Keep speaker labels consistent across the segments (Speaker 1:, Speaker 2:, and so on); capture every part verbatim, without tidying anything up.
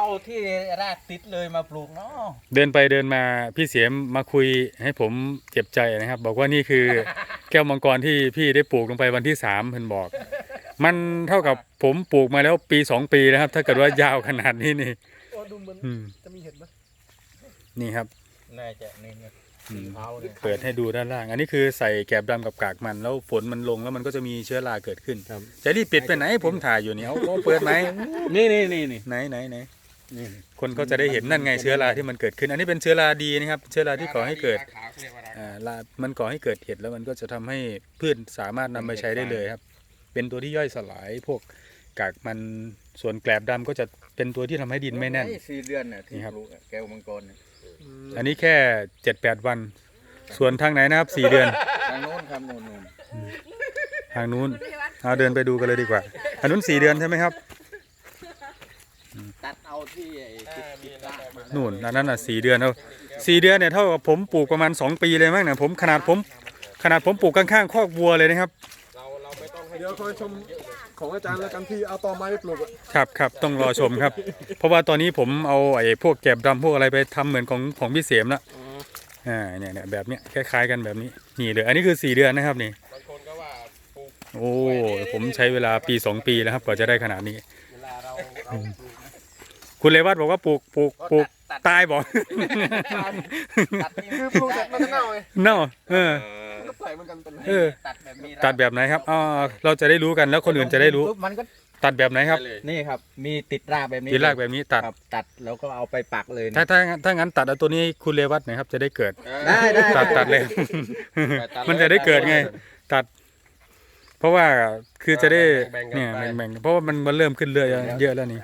Speaker 1: ที่รากติดเลยมาปลูกเนาะ
Speaker 2: เดินไปเดินมาพี่เสียมมาคุยให้ผมเจ็บใจนะครับบอกว่านี่คือ แก้วมังกรที่พี่ได้ปลูกลงไปวันที่สามเพิ่นบอกมันเท่ากับผมปลูกมาแล้วปีสองปีแล้วครับถ้าเกิดว่ายาวขนาดนี้นี่
Speaker 3: โอ้ดูเหมือนจะมีเห็ดไหม
Speaker 2: นี่ครับ
Speaker 1: น่าจะนี่นะ
Speaker 2: เปิดให้ดูด้านล่างอันนี้คือใส่แกบดำกับกากมันแล้วฝนมันลงแล้วมันก็จะมีเชื้อราเกิดขึ้นจะรีบปิดไปไหนผมถ่ายอยู่เนี่ยเอาเปิดไหม
Speaker 1: นี่นี่นี่นี่
Speaker 2: ไหนไหนไหนคนเขาจะได้เห็นนั่นไงเชื้อราที่มันเกิดขึ้นอันนี้เป็นเชื้อราดีนะครับเชื้อราที่ก่อให้เกิดอ่ารามันก่อให้เกิดเห็ดแล้วมันก็จะทำให้พืชสามารถนำไปใช้ได้เลยครับเป็นตัวที่ย่อยสลายพวกกากมันส่วนแกลบดำก็จะเป็นตัวที่ทำให้ดินไม่แน่น
Speaker 1: สี่เดือนน่ะที่ปลูกแก้วมังกร
Speaker 2: อันนี้แค่เจ็ดแปดวันส่วนทางไหนนะครับสี่เดือน
Speaker 1: ทางโน้นครับโน้น
Speaker 2: ทางนู้นเอาเดินไปดูกันเลยดีกว่าอันนู้นสี่เดือนใช่ไหมครับ
Speaker 1: ตัดเอาที่
Speaker 2: นู่นอันนั้นอ่ะสี่เดือนเอาสี่เดือนเนี่ยเท่ากับผมปลูกประมาณสองปีเลยมั้งเนี่ยผมขนาดผมขนาดผมปลูกข้างๆคอกวัวเลยนะครับ
Speaker 3: เดี๋ยวคอยชมของอาจารย์แล้วกันที่เอาตอไม้ไปปลูก
Speaker 2: ครับครับต้องรอชมครับเพราะว่าตอนนี้ผมเอาไอ้พวกแกบดำพวกอะไรไปทำเหมือนของของพี่เสียมละอ่าเนี่ยเนี่ยแบบเนี้ยคล้ายๆกันแบบนี้นี่เลยอันนี้คือสี่เดือนนะครับนี่โอ้ผมใช้เวลาปีสองปีแล้วครับกว่าจะได้ขนาดนี้คุณเลวัตบอกว่าปลูกปลูกปลูกตายบอก
Speaker 3: คือปลูกเสร็จมันก็เน่าไง
Speaker 2: เน่าเออเออตัดแบบไหนครับอ๋อเราจะได้รู้กันแล้วคนอื่นจะได้รู้
Speaker 1: มันก็
Speaker 2: ตัดแบบไหนครับ
Speaker 1: นี่ครับมีติดรากแบบนี้
Speaker 2: ติดรากแบบนี้ตัด
Speaker 1: ตัดแล้วก็เอาไปปักเลย
Speaker 2: ถ้าถ้าถ้างั้นตัดเอาตัวนี้คุณเลวัตหน่อยครับจะได้เกิด
Speaker 1: ได้ได้
Speaker 2: ตัดตัดเลยมันจะได้เกิดไงตัดเพราะว่าคือจะได้เนี่ยแบ่งๆเพราะว่ามันมันเริ่มขึ้นเรื่อยเยอะแล้วนี่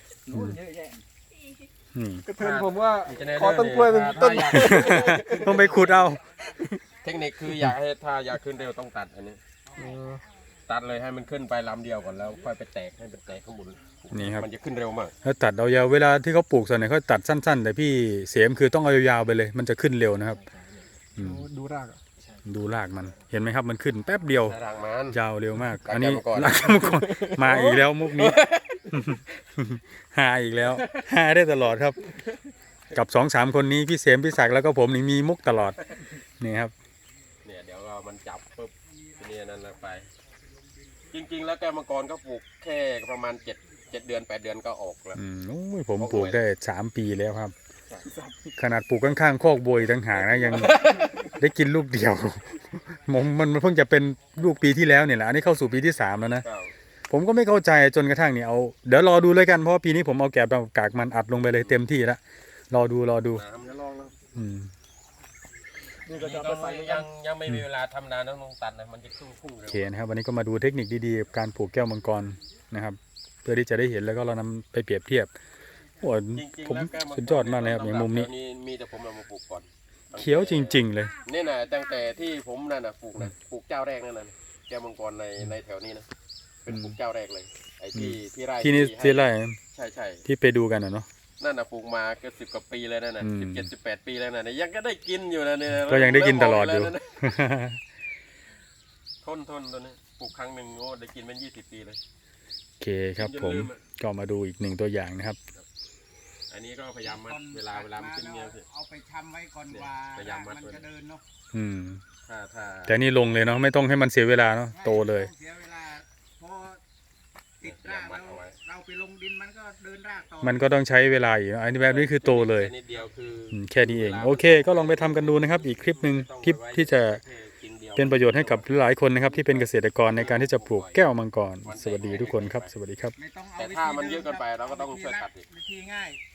Speaker 3: ก็เทินผมว่าขอต้นกล้วยเป็นต้น
Speaker 2: ต้องไปขุดเอา
Speaker 4: เทคนิคคืออยากให้ถ้าอยากขึ้นเร็วต้องตัดอันนี้ตัดเลยให้มันขึ้นไปลำเดียวก่อนแล้วค่อยไปแตกให้เป็นแตกข้างบน
Speaker 2: นี่ครับ
Speaker 4: มันจะขึ้นเร็วมาก
Speaker 2: แล้วตัดเอายาวเวลาที่เขาปลูกส่วนไหนเขาตัดสั้นๆแต่พี่เสียมคือต้องเอายาวไปเลยมันจะขึ้นเร็วนะครับ
Speaker 3: ดูราก
Speaker 2: ดูรากมันเห็นไหมครับมันขึ้นแป๊บเดียวยาวเร็วมากอันนี้รากมังกรมาอีกแล้วมุกนี้หาอีกแล้วหาได้ตลอดครับกับสองสามคนนี้พี่เสียมพี่ศักดิ์แล้วก็ผมนี่มีมุกตลอดนี่ครับ
Speaker 4: เนี่ยเดี๋ยวเรามันจับปุ๊บทีนี้นั่นไปจริงๆแล้วแก้วมังกรก็ปลูกแค่ประมาณเจ็ดเจ็ดเดือนแปดเดือนก็ออกแล้ว
Speaker 2: อืมโอ้ยผมปลูกได้สามปีแล้วครับขนาดปลูกข้างๆคอกบวยต่างหากนะยังได้กินลูกเดียวผมมันเพิ่งจะเป็นลูกปีที่แล้วเนี่ยแหละอันนี้เข้าสู่ปีที่สามแล้วนะผมก็ไม่เข้าใจจนกระทั่งเนี่ยเอาเดี๋ยวรอดูเลยกันเพราะปีนี้ผมเอาแกบกากมันอัดลงไปเลยเต็มที่แล้วรอดูรอดูอืม
Speaker 4: นี่ก็จะยังยังไม่มีเวลาทำนานต้องตัดนะมันจะพุ่งพุ่ง
Speaker 2: โอเคนะครับวันนี้ก็มาดูเทคนิคดีๆการปลูกแก้วมังกรนะครับเพื่อที่จะได้เห็นแล้วก็เรานำไปเปรียบเทียบโอ้ผมสุดยอดมากเลยครับอย่างมุมนี้
Speaker 4: มีแต่ผมเอามาปลูกก่อน
Speaker 2: เขียวจริงๆเลย
Speaker 4: นี่นะตั้งแต่ที่ผมนั่นนะปลูกนะปลูกเจ้าแรกนั่นนะแก้วมังกรในในแถวนี้นะเป็นปลูกเจ้าแรกเลยไอ้ที่ที่ไร่
Speaker 2: ที่นี่ที่ไร่
Speaker 4: ใช่ใช่
Speaker 2: ที่ไปดูกันนะเนาะ
Speaker 4: นั่นนะปลูกมาเกือบสิบกว่าปีแล้วนั่นนะสิบเจ็ดสิบแปดปีแล้วนะยังก็ได้กินอยู่นะเนี่ย
Speaker 2: ก็ยังได้กินตลอดอยู่
Speaker 4: ทนทนตัวนี้ปลูกครั้งหนึ่งโอ้ได้กินเป็นยี่สิบปีเลย
Speaker 2: โอเคครับผมก็มาดูอีกหนึ่งตัวอย่างนะครับ
Speaker 4: อันนี้ก็พยายามมัดเวลาเวลามันขึ้นเงี้ย
Speaker 1: เอาไปชำไว้ก่อนว่าพยายามมัดมันจะเดินเนาะ
Speaker 2: อืม
Speaker 4: ถ้าถ้า
Speaker 2: แต่นี่ลงเลยเนาะไม่ต้องให้มันเสียเวลาเนาะโตเลย
Speaker 1: เสียเวลาพอติดรากเราเราไปลงดินมันก็เดินรากต่อ
Speaker 2: มันก็ต้องใช้เวลาอีกอันนี้แบบนี้คือโตเลยแค่นี้เองโอเคก็ลองไปทำกันดูนะครับอีกคลิปหนึ่งคลิปที่จะเป็นประโยชน์ให้กับหลายคนนะครับที่เป็นเกษตรกรในการที่จะปลูกแก้วมังกรสวัสดีทุกคนครับสวัสดีครับ
Speaker 4: แต่ถ้ามันเยอะเกินไปเราก็ต้องช่วยตัดอีก
Speaker 1: วิธีง่าย